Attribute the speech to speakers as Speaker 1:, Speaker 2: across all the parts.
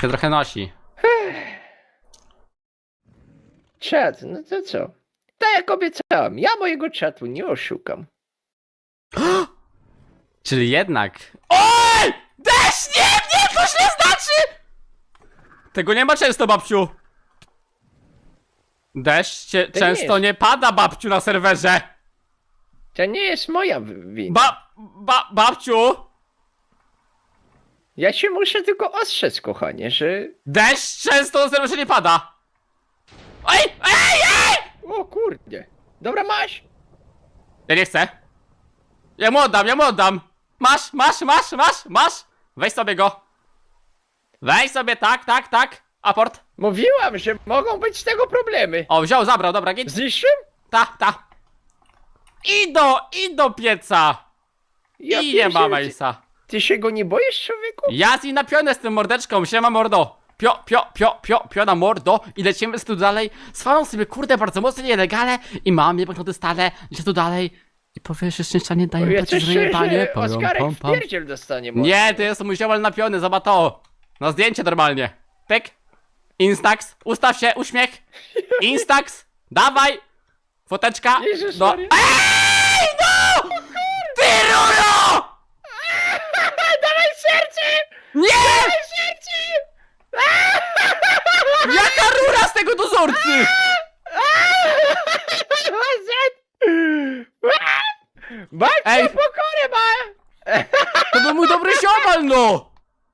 Speaker 1: się trochę nosi.
Speaker 2: Czad, no to co? Tak jak obiecałem, ja mojego czatu nie oszukam.
Speaker 1: Czyli jednak... OJ! Deszcz! Nie, to źle znaczy! Tego nie ma często, babciu. Deszcz często nie pada, babciu, na serwerze.
Speaker 2: To nie jest moja wina.
Speaker 1: Babciu!
Speaker 2: Ja się muszę tylko ostrzec, kochanie, że...
Speaker 1: Deszcz często na serwerze nie pada. Ej!
Speaker 2: O kurde. Dobra, masz?
Speaker 1: Ja nie chcę. Ja mu oddam. Masz. Weź sobie go. Weź sobie, tak. Aport.
Speaker 2: Mówiłam, że mogą być z tego problemy.
Speaker 1: O, wziął, zabrał, dobra, git.
Speaker 2: Zniszczył?
Speaker 1: Ta. I do pieca.
Speaker 2: Ja
Speaker 1: I nie ma
Speaker 2: pierdzielę,
Speaker 1: Mejsa.
Speaker 2: Ty się go nie boisz, człowieku?
Speaker 1: Ja z nim napiąłem z tym mordeczką, siema mordo. Pio na mordo i lecimy tu dalej. Swaną sobie, kurde, bardzo mocno nielegalne i mam je banknoty stale, idzie tu dalej. I powiesz, że szczęścia nie dają
Speaker 2: Ja
Speaker 1: płacić,
Speaker 2: coś
Speaker 1: że nie panie.
Speaker 2: czuję, że Oskarek w pierdziel dostanie może.
Speaker 1: Nie, to jest mój ziomal napiony, zobacz to. Na zdjęcie normalnie. Pyk. Instax, ustaw się, uśmiech. Instax, dawaj. Foteczka.
Speaker 2: Jezus
Speaker 1: No.
Speaker 2: Maria.
Speaker 1: Ej, no! Ty rulo!
Speaker 2: Dawaj serce!
Speaker 1: Nie!
Speaker 2: Dawaj serce!
Speaker 1: Jaka rura z tego dozorcy?
Speaker 2: Babcia
Speaker 1: Ej.
Speaker 2: pokorę ma!
Speaker 1: To był mój dobry ziomal, no!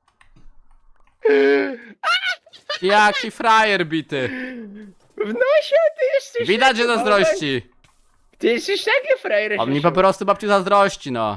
Speaker 1: Jaki frajer bity.
Speaker 2: W nosie ty jesteś...
Speaker 1: Widać, że
Speaker 2: taki
Speaker 1: zazdrości.
Speaker 2: Ty jesteś taki frajer.
Speaker 1: On mi po prostu babciu zazdrości, no.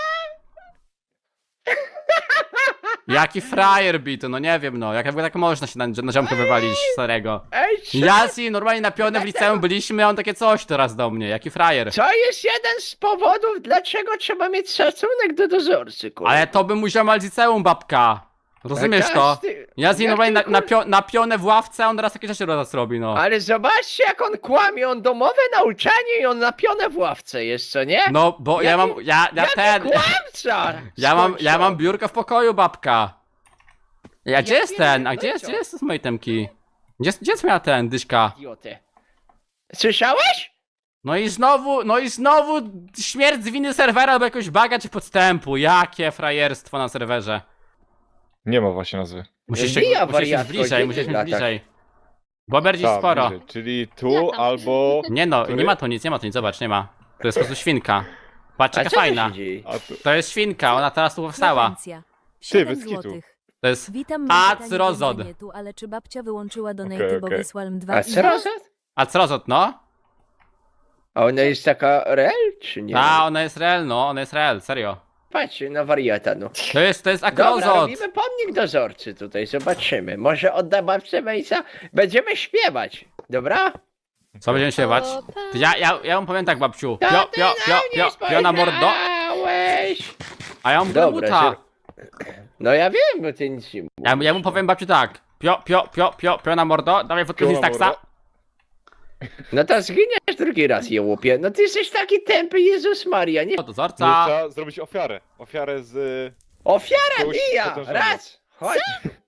Speaker 1: Jaki frajer bity, no nie wiem, no. Jak tak można się na ziomkę wywalić starego.
Speaker 2: Ej, co?
Speaker 1: Ja z nim normalnie napiony w liceum byliśmy, a on takie coś teraz do mnie. Jaki frajer.
Speaker 2: To jest jeden z powodów, dlaczego trzeba mieć szacunek do dozorcy, kurwa.
Speaker 1: Ale to by mu ziomal z liceum, babka. Rozumiesz to? Ja z nim
Speaker 2: Jak
Speaker 1: normalnie
Speaker 2: ty,
Speaker 1: napione w ławce, a on teraz takie rzeczy do nas robi, no.
Speaker 2: Ale zobaczcie, jak on kłamie, on domowe nauczanie i on napione w ławce jest, co nie?
Speaker 1: No, bo ja mam,
Speaker 2: Jaki kłamca!
Speaker 1: ja mam biurko w pokoju, babka. Gdzie jest
Speaker 2: wiem,
Speaker 1: ten? A
Speaker 2: no
Speaker 1: gdzie
Speaker 2: i
Speaker 1: jest,
Speaker 2: co?
Speaker 1: gdzie jest z mojej temki? Gdzie jest moja ten, dyszka?
Speaker 2: Idiotę. Słyszałeś?
Speaker 1: No i znowu śmierć z winy serwera albo jakoś baga czy podstępu. Jakie frajerstwo na serwerze.
Speaker 3: Nie ma właśnie nazwy.
Speaker 1: Musisz
Speaker 2: Wbija
Speaker 1: mieć
Speaker 2: wariatko,
Speaker 1: bliżej,
Speaker 2: gdzie
Speaker 1: musisz
Speaker 2: ty
Speaker 1: mieć
Speaker 2: latasz?
Speaker 1: bliżej. Bo bardziej
Speaker 3: Tak,
Speaker 1: sporo.
Speaker 3: bliżej. Czyli tu albo...
Speaker 1: Nie no,
Speaker 3: Który?
Speaker 1: nie ma tu nic, zobacz, nie ma. To jest po prostu świnka. Patrz,
Speaker 2: A
Speaker 1: jaka
Speaker 2: co tu
Speaker 1: fajna.
Speaker 2: się dzieje?
Speaker 3: A tu...
Speaker 1: To jest świnka, ona teraz tu powstała.
Speaker 4: Subwencja.
Speaker 3: Ty,
Speaker 4: 7
Speaker 3: bez kitu.
Speaker 4: złotych.
Speaker 1: To jest...
Speaker 4: Witam,
Speaker 1: A,
Speaker 4: pytanie
Speaker 1: Crozod.
Speaker 4: do internetu, ale czy babcia wyłączyła donaty,
Speaker 3: Okej,
Speaker 4: bo
Speaker 3: okej.
Speaker 4: wysłałem 2
Speaker 2: A
Speaker 4: i
Speaker 2: co roz-
Speaker 1: A Crozot, no?
Speaker 2: A ona jest taka real, czy nie?
Speaker 1: Ona jest real, no, ona jest real, serio.
Speaker 2: Patrz na wariata, no.
Speaker 1: To jest
Speaker 2: Dobra,
Speaker 1: akrozot.
Speaker 2: robimy pomnik dozorcy tutaj, zobaczymy. Może odda babce Mejsa? Będziemy śpiewać, dobra?
Speaker 1: Co będziemy śpiewać? Ja mu powiem tak, babciu.
Speaker 2: To ty
Speaker 1: Pio na mordo.
Speaker 2: spojrzałeś.
Speaker 1: A ja mu
Speaker 2: Dobra,
Speaker 1: buta.
Speaker 2: No ja wiem, bo ty nic nie mówisz.
Speaker 1: Ja mu powiem babciu tak. Pio na mordo. Dawaj fotkę z
Speaker 3: Pio na
Speaker 1: Instaxa.
Speaker 3: mordo.
Speaker 2: No to zginiesz drugi raz, jełopie. No ty jesteś taki tępy, Jezus Maria, nie?
Speaker 1: O,
Speaker 3: Może
Speaker 1: dozorca.
Speaker 3: trzeba zrobić ofiarę. Ofiarę z...
Speaker 2: Ofiara
Speaker 3: Kogoś
Speaker 2: bija!
Speaker 3: potężnego.
Speaker 2: Raz! Chodź!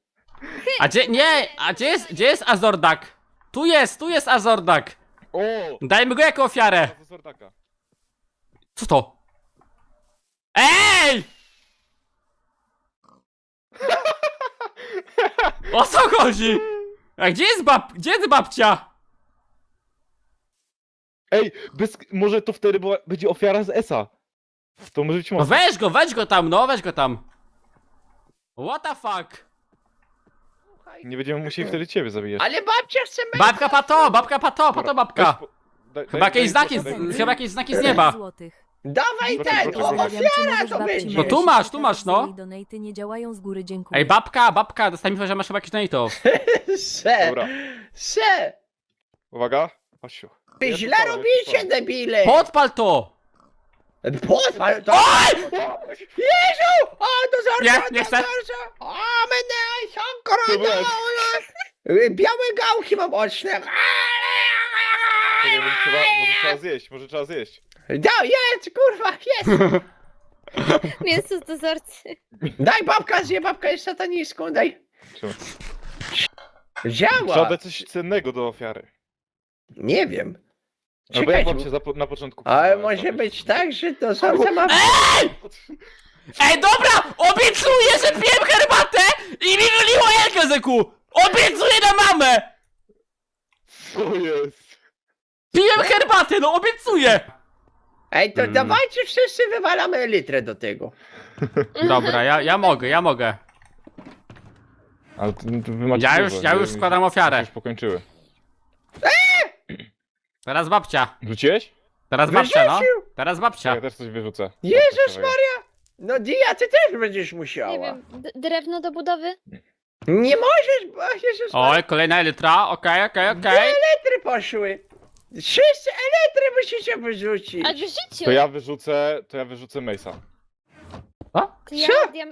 Speaker 1: A gdzie jest Azordak? Tu jest Azordak.
Speaker 3: O!
Speaker 1: Dajmy go jako ofiarę.
Speaker 3: Z Zordaka.
Speaker 1: Co to? Ej! O co chodzi? A gdzie jest babcia?
Speaker 3: Ej, może to wtedy będzie ofiara z ESA. To może być
Speaker 1: No
Speaker 3: mocne.
Speaker 1: weź go tam, no weź go tam. What the fuck?
Speaker 3: Nie będziemy musieli wtedy ciebie zabijać.
Speaker 2: Ale babcia chce
Speaker 1: Babka pato,
Speaker 3: Dobra,
Speaker 1: babka.
Speaker 3: weź
Speaker 1: Chyba jakieś znaki z nieba.
Speaker 4: złotych.
Speaker 2: Dawaj
Speaker 3: Proszę,
Speaker 2: ten!
Speaker 3: proszę,
Speaker 2: O,
Speaker 3: proszę.
Speaker 2: ofiara to będzie!
Speaker 1: No tu masz, no.
Speaker 4: Donaty nie działają z góry, dziękuję.
Speaker 1: Ej, babka, dostaj mi, że masz chyba jakiś donatów.
Speaker 2: Se!
Speaker 3: Dobra,
Speaker 2: Se!
Speaker 3: uwaga. Osiu.
Speaker 2: Wy źle robicie, debile!
Speaker 1: Podpal to!
Speaker 2: Podpal to! Jezu! O, dozorca!
Speaker 1: Nie chcę.
Speaker 2: O, mnie się Białe gałki mam oczne!
Speaker 3: Czekaj, może trzeba zjeść, może trzeba zjeść.
Speaker 2: Da, jest, kurwa, jest!
Speaker 5: Mięso z dozorcy.
Speaker 2: Daj babka, babka jest satanistką, daj!
Speaker 3: Trzeba. Trzeba
Speaker 2: Działa!
Speaker 3: dać coś cennego do ofiary.
Speaker 2: Nie wiem.
Speaker 3: Albo jak
Speaker 2: Czekaj,
Speaker 3: wam się na początku
Speaker 2: ale
Speaker 3: podobało,
Speaker 2: może
Speaker 3: to
Speaker 2: być tak, że dozorca ma...
Speaker 1: Ej, dobra! Obiecuję, że piłem herbatę i mi wyliło jelkę z eku! Obiecuję na mamę!
Speaker 3: Co jest?
Speaker 1: Piłem herbatę, no obiecuję!
Speaker 2: Ej, to dawajcie wszyscy wywalamy elytrę do tego.
Speaker 1: Dobra, ja mogę.
Speaker 3: Ale wy macie
Speaker 1: Ja już składam ofiarę.
Speaker 3: Już pokończyły.
Speaker 1: Teraz babcia.
Speaker 3: Rzuciłeś?
Speaker 1: Teraz babcia, no.
Speaker 2: Wyrzucił!
Speaker 1: Teraz babcia.
Speaker 3: Ja też coś wyrzucę.
Speaker 2: Jezus Maria! No Dia, ty też będziesz musiała.
Speaker 5: Nie wiem, drewno do budowy?
Speaker 2: Nie możesz, bo Jezus Maria.
Speaker 1: Oj, kolejna elytra, okej.
Speaker 2: Elytry poszły. Wszyscy elytry musicie wyrzucić.
Speaker 5: A w życiu!
Speaker 3: To ja wyrzucę Mace'a.
Speaker 1: O?
Speaker 5: Ja,
Speaker 2: Co?
Speaker 5: ja,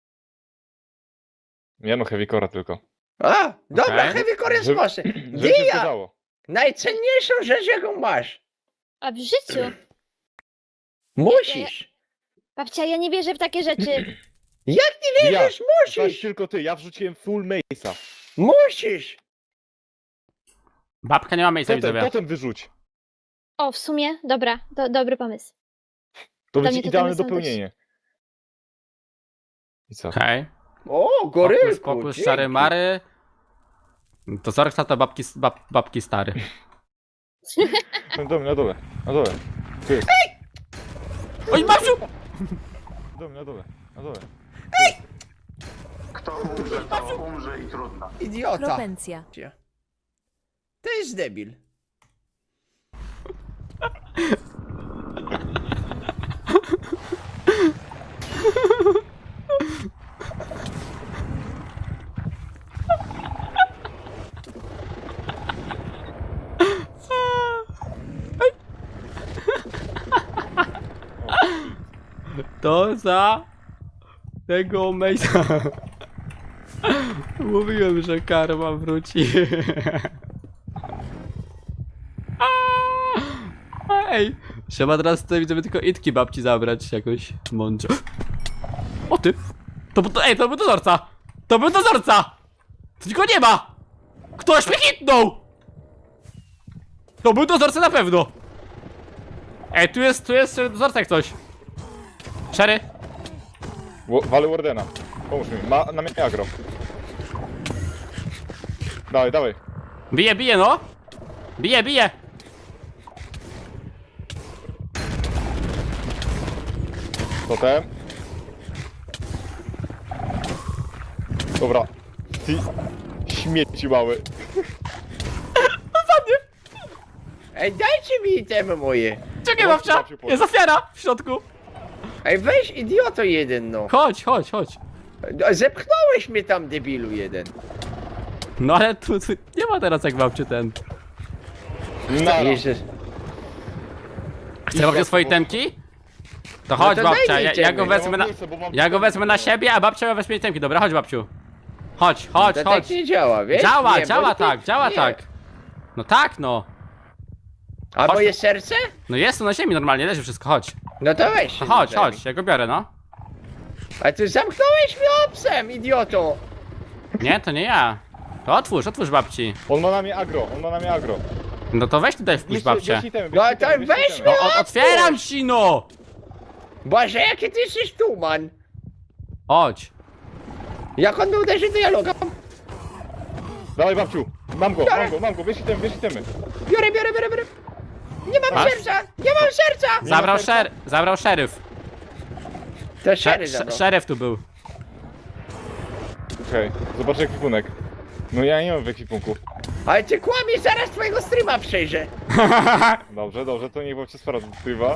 Speaker 3: Nie no, Heavy Core'a tylko.
Speaker 2: A, dobra,
Speaker 1: Okej.
Speaker 2: heavy core
Speaker 3: Żeby-
Speaker 2: sposy.
Speaker 3: Żeby się
Speaker 2: Dia,
Speaker 3: zgadzało.
Speaker 2: najcenniejszą rzecz jaką masz.
Speaker 5: a w życiu!
Speaker 2: Musisz.
Speaker 5: Babcia, ja nie wierzę w takie rzeczy.
Speaker 2: Jak nie
Speaker 3: Ja,
Speaker 2: wierzysz,
Speaker 3: Zaś
Speaker 2: musisz.
Speaker 3: tylko ty, ja wrzuciłem full Mace'a.
Speaker 2: Musisz.
Speaker 1: Babka nie ma miejsca, widzowie.
Speaker 3: Potem wyrzuć.
Speaker 5: O, w sumie, dobra, dobry pomysł.
Speaker 3: To
Speaker 5: Dla
Speaker 3: będzie
Speaker 5: mnie to
Speaker 3: idealne
Speaker 5: tyle są
Speaker 3: dopełnienie. I co?
Speaker 1: Okej.
Speaker 2: O, gorylku.
Speaker 1: Spokój,
Speaker 2: dzięki.
Speaker 1: szary mary. To Zorksa to babki stary.
Speaker 3: Na dole, na dole, na dole. Tu jest.
Speaker 1: Oj, babciu!
Speaker 3: Na dole, na dole.
Speaker 6: Kto umrze, to umrze i trudno.
Speaker 2: Idiota.
Speaker 4: Propencja.
Speaker 2: To jest debil.
Speaker 1: To za tego Mejsa. Mówiłem, że karma wróci. Ej, trzeba teraz tutaj widzimy tylko itki babci zabrać jakoś mądrze. O ty! To był dozorca! To był dozorca! Tylko nie ma! Ktoś mnie hitnął! To był dozorca na pewno! Ej, tu jest dozorca jak coś. Sherry?
Speaker 3: Walę Wardena. Pomóż mi, na mnie agro. Dawaj, dawaj.
Speaker 1: Bije, no! Bije!
Speaker 3: Totem. Dobra. Ty śmieci mały.
Speaker 2: Ej, dajcie mi itemy moje.
Speaker 1: Czekaj,
Speaker 3: Chodź,
Speaker 1: babcia!
Speaker 3: babciu,
Speaker 1: Jest ofiara w środku!
Speaker 2: Ej, weź idioto jeden, no.
Speaker 1: Chodź.
Speaker 2: Zepchnąłeś mnie tam, debilu jeden.
Speaker 1: No ale tu nie ma teraz jak babciu ten.
Speaker 3: Nara.
Speaker 2: Jezus.
Speaker 1: Chce babcia swojej temki? To chodź
Speaker 2: to daj
Speaker 1: babcia,
Speaker 2: mi
Speaker 1: ja
Speaker 2: itemy.
Speaker 1: go wezmę na... Ja go wezmę na siebie, a babcia weźmie jej temki. Dobra, chodź babciu. Chodź.
Speaker 2: To tak nie działa, wiesz?
Speaker 1: Działa
Speaker 2: Nie, bo ty-
Speaker 1: działa
Speaker 2: nie.
Speaker 1: tak. No tak, no.
Speaker 2: A
Speaker 1: Chodź.
Speaker 2: moje serce?
Speaker 1: No jest to na ziemi normalnie, leży wszystko, chodź.
Speaker 2: No to weź.
Speaker 1: No
Speaker 2: się
Speaker 1: chodź,
Speaker 2: zajmij.
Speaker 1: chodź, ja go biorę, no.
Speaker 2: A ty zamknąłeś mnie obsem, idioto.
Speaker 1: Nie, to nie ja. To otwórz babci.
Speaker 3: On ma na mnie agro.
Speaker 1: No to weź tutaj wpuść babcię.
Speaker 2: No to weź
Speaker 1: No
Speaker 2: mnie
Speaker 1: otwieram ci, no!
Speaker 2: Boże, jaki ty jesteś tuman.
Speaker 1: Chodź.
Speaker 2: Jak on mnie uderzy, to ja logam.
Speaker 3: Dawaj babciu. Mam go, bierz itemy.
Speaker 2: Biorę. Nie mam
Speaker 1: Masz?
Speaker 2: serca, nie mam serca.
Speaker 1: Zabrał szeryf.
Speaker 2: To szery zabrał.
Speaker 1: Szeryf tu był.
Speaker 3: Okej, zobaczę ekwipunek. No ja nie mam w ekwipunku.
Speaker 2: Ale ty kłamiesz, zaraz twojego streama przejrzę.
Speaker 3: Dobrze, to niech babcia sprawdza.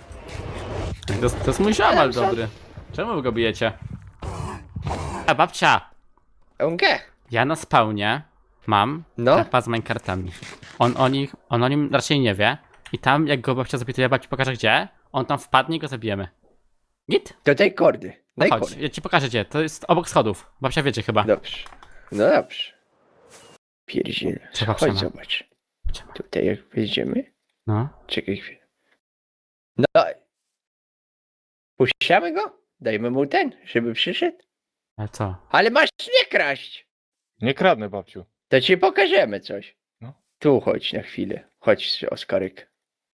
Speaker 1: To jest mój ziomal
Speaker 2: Ale co?
Speaker 1: dobry. Czemu wy go bijecie? A babcia,
Speaker 2: Onge.
Speaker 1: ja na spawnie mam
Speaker 2: No.
Speaker 1: mapa z minecartami. On o nim raczej nie wie. I tam jak go babcia zapytuje, babci pokaże gdzie, on tam wpadnie i go zabijemy. Git?
Speaker 2: To daj kordy. Daj
Speaker 1: Chodź,
Speaker 2: kordy.
Speaker 1: ja ci pokażę gdzie. To jest obok schodów. Babcia wiecie chyba.
Speaker 2: Dobrze. No dobrze. Pierdziele.
Speaker 1: Co babcia
Speaker 2: Chodź
Speaker 1: ma?
Speaker 2: zobacz.
Speaker 1: Babcia ma.
Speaker 2: Tutaj jak wejdziemy.
Speaker 1: No.
Speaker 2: Czekaj chwilę. No. Puściamy go? Dajmy mu ten, żeby przyszedł.
Speaker 1: Ale co?
Speaker 2: Ale masz nie kraść.
Speaker 3: Nie kradnę, babciu.
Speaker 2: To ci pokażemy coś.
Speaker 3: No.
Speaker 2: Tu chodź na chwilę. Chodź, Oskaryk.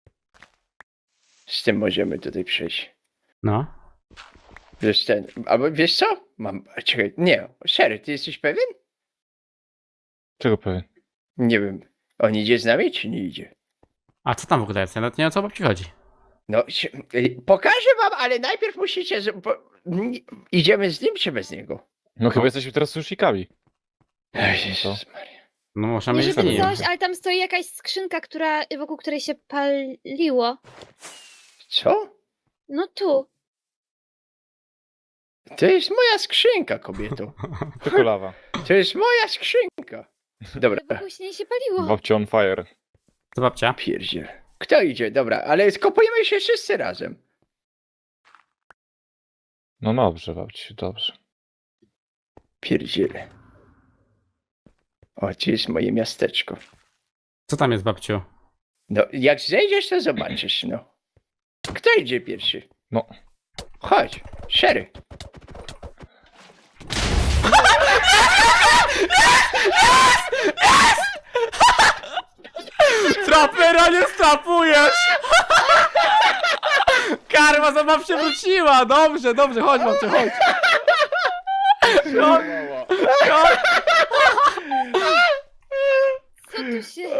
Speaker 2: Z tym możemy tutaj przejść.
Speaker 1: No.
Speaker 2: Wiesz ten, albo wiesz co? Czekaj, nie, Sherry, ty jesteś pewien?
Speaker 3: Czego pewien?
Speaker 2: Nie wiem, on idzie z nami, czy nie idzie?
Speaker 1: A co tam w ogóle jest? Ja nawet nie wiem, o co babci chodzi.
Speaker 2: No, pokażę wam, ale najpierw musicie, idziemy z nim, czy bez niego?
Speaker 3: No chyba jesteśmy teraz sushikami.
Speaker 2: Jezus Maria.
Speaker 1: No możemy
Speaker 5: Nie
Speaker 1: iść z
Speaker 5: żeby
Speaker 1: nim.
Speaker 5: coś, ale tam stoi jakaś skrzynka, wokół której się paliło.
Speaker 2: Co?
Speaker 5: No tu.
Speaker 2: To jest moja skrzynka, kobieto.
Speaker 3: Tylko lawa.
Speaker 2: To jest moja skrzynka. Dobra,
Speaker 5: Wokół się nie się paliło.
Speaker 3: Babcia on fire.
Speaker 1: Co babcia?
Speaker 2: pierdziel. Kto idzie? Dobra, ale skopujemy się wszyscy razem.
Speaker 3: No dobrze, babciu, dobrze.
Speaker 2: Pierdziele. O, gdzie jest moje miasteczko?
Speaker 1: Co tam jest babciu?
Speaker 2: No, jak zejdziesz, to zobaczysz, no. Kto idzie pierwszy?
Speaker 3: No.
Speaker 2: Chodź, Sherry.
Speaker 1: Trapera nie strapujesz! Karma za babcię wróciła! Dobrze, dobrze, chodź babciu, chodź. Chodź, chodź.
Speaker 5: Co tu się...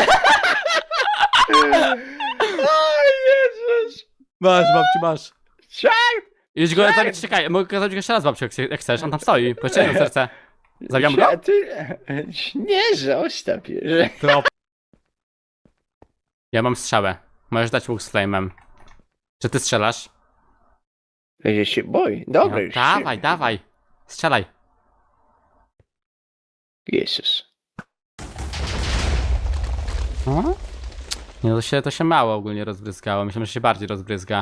Speaker 2: O Jezus!
Speaker 1: Masz babciu, masz.
Speaker 2: Co?
Speaker 1: Idź go zabić, czekaj, mogę kazać go jeszcze raz babciu, jak chcesz, on tam stoi, pociągnij serce. Zabijam go?
Speaker 2: Nie, zostaw je.
Speaker 1: Trop. Ja mam strzałę. Możesz dać łuk z flame'em. Czy ty strzelasz?
Speaker 2: Ja się boję. Dobra,
Speaker 1: No,
Speaker 2: już.
Speaker 1: dawaj, dawaj. Strzelaj.
Speaker 2: Jezus.
Speaker 1: O? Nie, to się mało ogólnie rozbryzgało. Myślę, że się bardziej rozbryzga.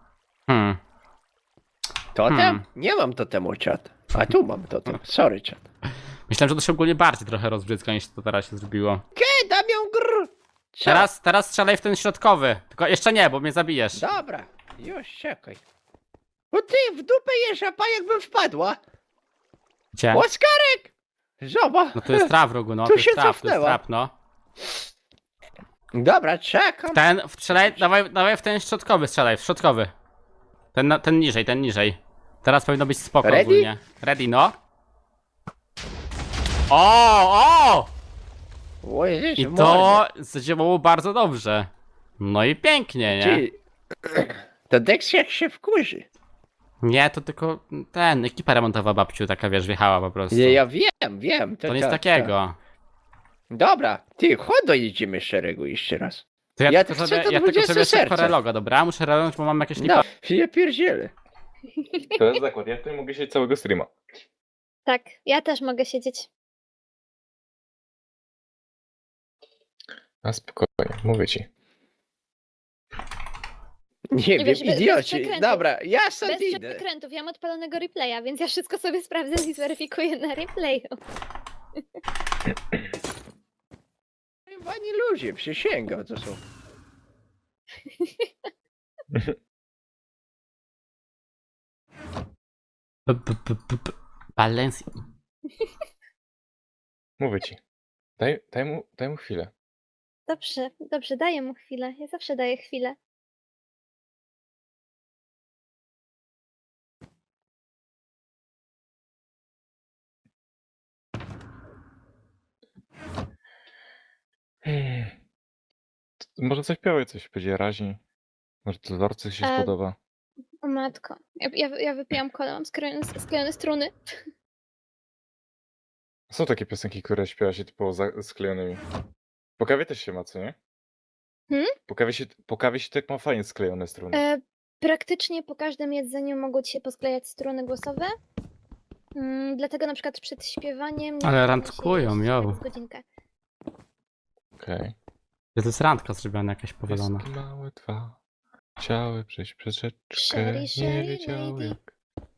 Speaker 2: Totem?
Speaker 1: Hmm.
Speaker 2: Nie mam totemu, czat. A tu mam totem. Sorry, czat.
Speaker 1: Myślałem, że to się ogólnie bardziej trochę rozbryzga niż to teraz się zrobiło.
Speaker 2: Dam ją grr. Co?
Speaker 1: Teraz strzelaj w ten środkowy. Tylko jeszcze nie, bo mnie zabijesz.
Speaker 2: Dobra, już czekaj. Bo ty w dupę jesz, a jakbym wpadła.
Speaker 1: Gdzie?
Speaker 2: Oskarek! Zobacz.
Speaker 1: No to jest trap w rogu, no.
Speaker 2: Tu
Speaker 1: To jest
Speaker 2: się
Speaker 1: trap, to jest
Speaker 2: cofnęła.
Speaker 1: trap, no.
Speaker 2: Dobra, czekam.
Speaker 1: Strzelaj, dawaj w ten środkowy, strzelaj, w środkowy. Ten niżej, ten niżej. Teraz powinno być spoko
Speaker 2: Ready?
Speaker 1: ogólnie. Ready, no. O!
Speaker 2: O Jezus,
Speaker 1: I
Speaker 2: mordę.
Speaker 1: to zadziałało bardzo dobrze. No i pięknie, nie?
Speaker 2: Ty, to Dex jak się wkurzy.
Speaker 1: Nie, to tylko ekipa remontowa babciu taka, wiesz, wjechała po prostu.
Speaker 2: Ja wiem.
Speaker 1: To nic
Speaker 2: tak,
Speaker 1: takiego.
Speaker 2: tak. Dobra, ty, chodź dojedziemy szeregu jeszcze raz.
Speaker 1: To
Speaker 2: Ja
Speaker 1: ja
Speaker 2: chcę
Speaker 1: tylko
Speaker 2: to
Speaker 1: sobie
Speaker 2: 20
Speaker 1: szybko
Speaker 2: serca.
Speaker 1: reloga, dobra? Muszę relognąć, bo mam jakieś lipa.
Speaker 2: No, ja pierdzielę.
Speaker 3: To jest zakład, ja tutaj mogę siedzieć całego streama.
Speaker 5: Tak, ja też mogę siedzieć.
Speaker 3: A spokojnie, mówię ci.
Speaker 2: Nie wiem,
Speaker 5: wiesz, bez
Speaker 2: idioci.
Speaker 5: przekrętów.
Speaker 2: Dobra, ja stąd
Speaker 5: Bez
Speaker 2: idę.
Speaker 5: przekrętów, ja mam odpalonego replaya, więc ja wszystko sobie sprawdzę i zweryfikuję na replayu.
Speaker 2: Wani ludzie, przysięgam, to są.
Speaker 1: Balance.
Speaker 3: Mówię ci. Daj mu chwilę.
Speaker 5: Dobrze, daję mu chwilę. Ja zawsze daję chwilę.
Speaker 3: Może zaśpiewaj coś, będzie raźniej. Może to Lorce się
Speaker 5: E,
Speaker 3: spodoba.
Speaker 5: O matko. Ja wypijam kolę, mam sklejone struny.
Speaker 3: Są takie piosenki, które śpiewa się typowo sklejonymi. Po kawie też się ma, co nie? Po kawie się tak ma fajnie sklejone struny.
Speaker 5: Praktycznie po każdym jedzeniu mogą ci się posklejać struny głosowe. Dlatego na przykład przed śpiewaniem... nie
Speaker 1: Ale
Speaker 5: powinno się
Speaker 1: randkują,
Speaker 5: jeść
Speaker 1: jo.
Speaker 5: tak z godzinkę.
Speaker 3: Okej.
Speaker 1: To jest randka zrobiona jakaś powalona.
Speaker 3: Pieski małe dwa chciały przejść przez rzeczkę,
Speaker 5: Sherry,
Speaker 3: nie
Speaker 5: Sherry,
Speaker 3: wiedziały
Speaker 5: lady.
Speaker 3: jak.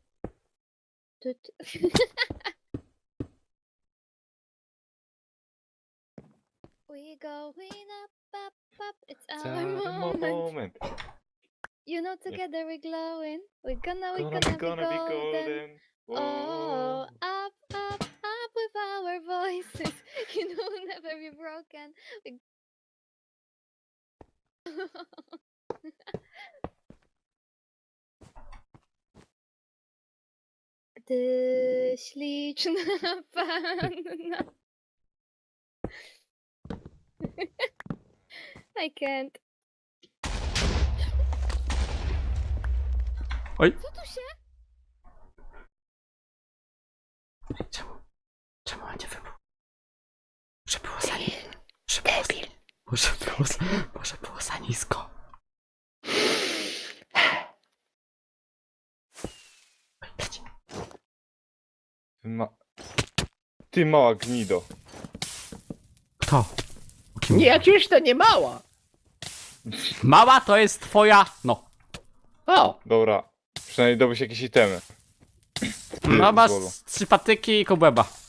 Speaker 5: We going up, it's our
Speaker 3: Cały
Speaker 5: moment.
Speaker 3: moment.
Speaker 5: You know together we're glowing. We're gonna be
Speaker 3: Gonna be
Speaker 5: golden.
Speaker 3: golden.
Speaker 5: Oh, up with our pieces. You know, will never be broken. Like... Ty śliczna panna. I can't.
Speaker 1: Oj.
Speaker 5: Co tu się?
Speaker 1: Czemu on nie wybuchł? Może było za nisko. Może było za nisko. Oj, leci.
Speaker 3: Ty mała gnido.
Speaker 1: Kto?
Speaker 2: Nie, przecież to nie mała.
Speaker 1: Mała to jest twoja... No.
Speaker 2: O,
Speaker 3: Dobra, przynajmniej dobyś jakieś itemy.
Speaker 1: No masz
Speaker 3: Bolu.
Speaker 1: 3 patyki i kobłęba.